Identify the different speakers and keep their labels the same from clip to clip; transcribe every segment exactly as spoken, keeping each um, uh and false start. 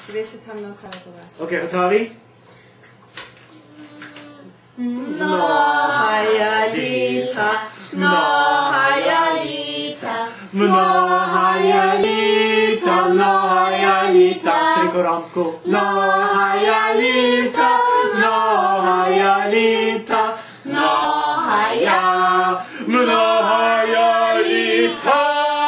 Speaker 1: Дивися там на карту.
Speaker 2: Окей, готові?
Speaker 1: Многая літа, многая літа,
Speaker 2: Многая літа, многая літа. Стрикорамку. Многая літа, многая літа, многая, многая літа.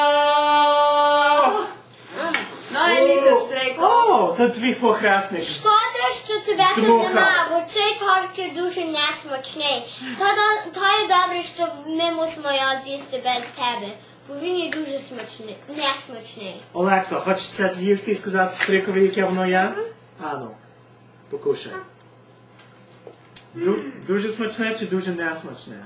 Speaker 2: О, це твій похресник.
Speaker 3: Шкода, що тебе тут нема, бо цей торт є дуже несмачний. Та є добре, що ми мусимо його з'їсти без тебе, бо він є дуже смачний, несмачний.
Speaker 2: Олексо, хочеш це з'їсти і сказати Стрикові, яке воно є? А, ну, покушай. Ду- дуже смачне чи дуже несмачне?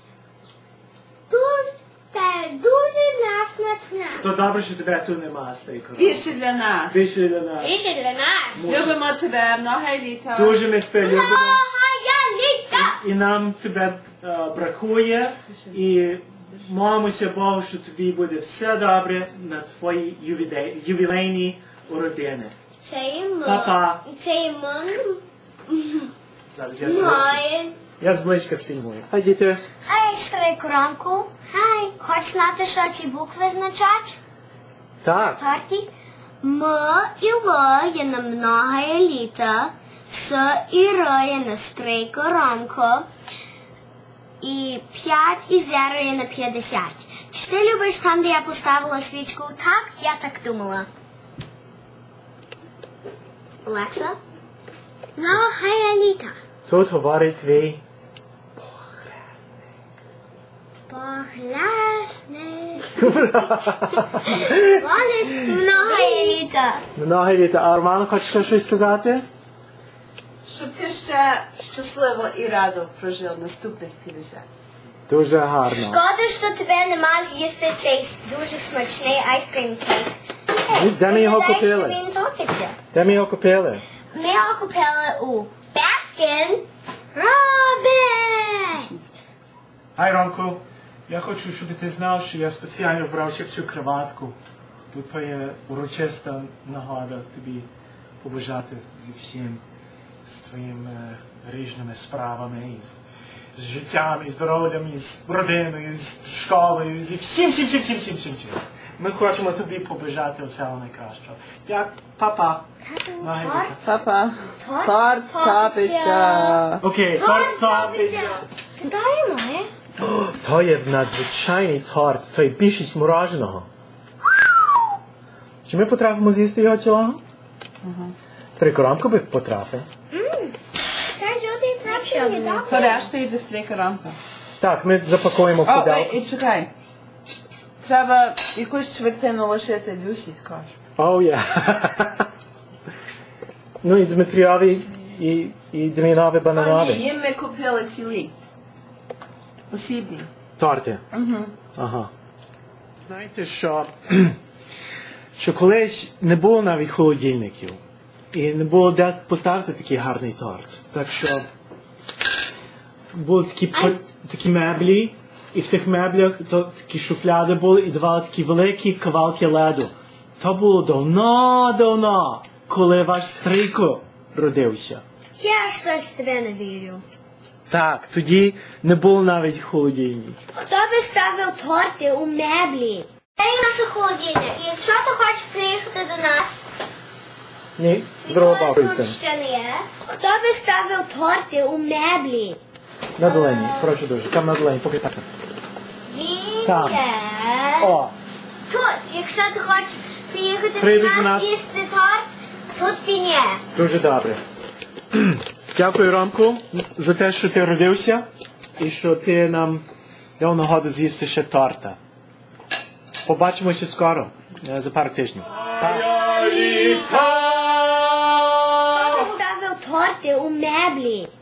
Speaker 3: Дуже, це дуже несмачне.
Speaker 2: То добре, що тебе тут нема, Стрико.
Speaker 1: Більше для нас.
Speaker 2: Більше для нас.
Speaker 3: Більше для нас.
Speaker 1: Любимо тебе, многая літа.
Speaker 2: Дуже ми тебе любимо.
Speaker 3: Многая літа.
Speaker 2: І нам тебе е, бракує. І молимося Богу, що тобі буде все добре на твої ювілей- ювілейні уродини.
Speaker 3: Це є мам.
Speaker 2: Па-па.
Speaker 3: Це є мам.
Speaker 2: Зараз я зблизька.
Speaker 3: Моє.
Speaker 2: Я зблизька сфільмую. Хай діти.
Speaker 3: Ей, Стрикорамку. Хай. Хочеш знати, що ці букви означають?
Speaker 2: Так.
Speaker 3: Торті. М і Л є на многая літа, С і Р є на Стрикорамку, і п'ять і зеро є на п'ятдесят. Чи ти любиш там, де я поставила свічку? Так, я так думала. Олекса? Многая літа.
Speaker 2: Тут говорить твій
Speaker 3: Похлясник. Молодець, многая літа.
Speaker 2: Много літа. А Роман, хочеш щось сказати?
Speaker 1: Щоб ти ще щасливо і радо прожив наступних п'ятдесят.
Speaker 2: Дуже гарно.
Speaker 3: Шкода, що тебе нема з'їсти цей дуже смачний айскрім кейк.
Speaker 2: Де ми його
Speaker 3: Гадаєш,
Speaker 2: купили?
Speaker 3: що він топиться?
Speaker 2: Де ми його купили?
Speaker 3: Ми його купили у Baskin Robbins.
Speaker 2: Гай, Ромку, я хочу, щоб ти знав, що я спеціально вбрав ще цю краватку, бо то є урочиста нагода тобі побажати зі всім, з твоїми різними справами, і з, з життям, і здоров'ям, і з родиною, і з школою, і зі всім, всім, всім, всім, всім, всім, всім. Ми хочемо тобі побажати всього найкращого. Дякую, папа.
Speaker 1: Папа.
Speaker 3: Торт
Speaker 1: Торт топиться.
Speaker 2: Окей, торт топиться.
Speaker 3: Це дає моє?
Speaker 2: То є надзвичайний торт, то є більшість мороженого. Чи ми потрапимо з'їсти його цілого? Трикорамку би потрапив.
Speaker 3: Це жовтий трапчик не добре.
Speaker 1: Порешта йде стрійка рамка.
Speaker 2: Так, ми запакуємо в
Speaker 1: О,
Speaker 2: pudełko.
Speaker 1: і чекай. Треба якусь чвертину лишити Люсі також.
Speaker 2: О, є. Ну і Дмитріові, і, і Дем'янові
Speaker 1: А ні,
Speaker 2: бананові.
Speaker 1: їм ми купили цілі. Посібні.
Speaker 2: Торти.
Speaker 1: Угу.
Speaker 2: Ага. Знаєте, що, що колись не було навіть холодильників. І не було де поставити такий гарний торт. Так що були такі, по- такі меблі, і в тих меблях то такі шуфляди були, і давали такі великі кавалки леду. То було давно-давно, коли ваш Стрийко родився.
Speaker 3: Я щось тебе не вірю.
Speaker 2: Так, тоді не було навіть холодильників.
Speaker 3: Хто би ставив торти у меблі? Це є наша холодильня. І якщо ти хочеш приїхати до нас,
Speaker 2: Ні, здорово
Speaker 3: ніколи
Speaker 2: бабуся.
Speaker 3: тут ще не є. Хто би ставив торти у меблі?
Speaker 2: На долині, прошу дуже, там на долині, поки так.
Speaker 3: Він
Speaker 2: Там.
Speaker 3: є
Speaker 2: О,
Speaker 3: тут. Якщо ти хочеш приїхати
Speaker 2: Прийди
Speaker 3: до
Speaker 2: до
Speaker 3: нас
Speaker 2: нас.
Speaker 3: їсти торт, тут він є.
Speaker 2: дуже добре. Дякую, Ромку, за те, що ти родився і що ти нам дав нагоду з'їсти ще торта. Побачимося скоро, е, за пару тижнів.
Speaker 3: Хто би ставив торти у меблі?